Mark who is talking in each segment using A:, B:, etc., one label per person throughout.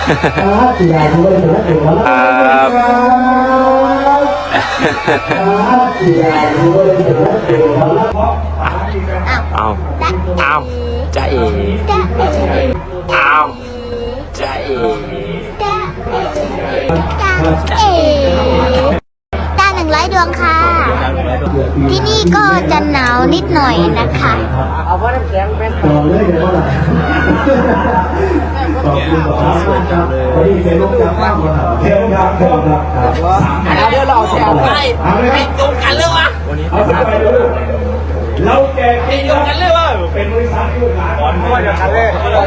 A: เอาจะเอ๋เอาจะเอ๋
B: ดาว100 ดวงค่ะ ที่นี่ก็จะหนาวนิดหน่อยนะคะ
C: เอาว่าน้ำแข็งเป็นต่อเลยเดี๋ยวว่าขอบคุณครับวันนี้เป็นลูกจากบ้านเที่ยวครับเที่ยวครับเดี๋ยวเราแชร์ไปตรงกันเลยวะเอาไปดูเราแกกินกันเลยวะเป็นบริษัทลูกหลานก่อนด้วยกันเลย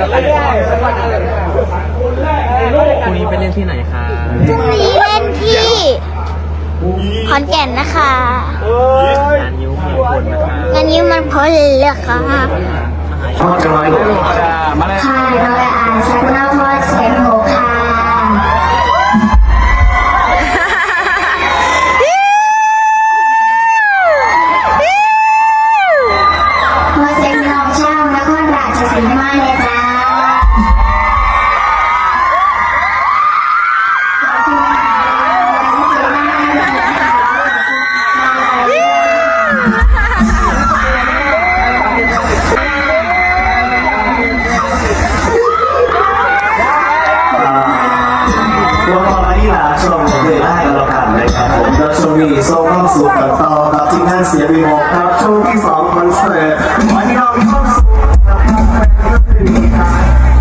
A: พรุ่งนี้ไปเล่นที่ไหนคะ
B: พรุ่งนี้เล่นที่ขอนแก่นนะคะ
A: งานยิ้วเมืองพลนะคะ
B: งานยิ้วมันพลเลยค่ะ
D: ค่ะน้องอาสักนาพอเซนโฮค่ะพอเซนน้องเช่านครราชสีมาเลยจ้า
C: ช่วงนี้ส่งความสุขกันต่อกับทีมงานเสียบีโมครับช่วงที่2คอนเสิร์ตวันนี้เรามีความสุขกับคอนเสิร์ต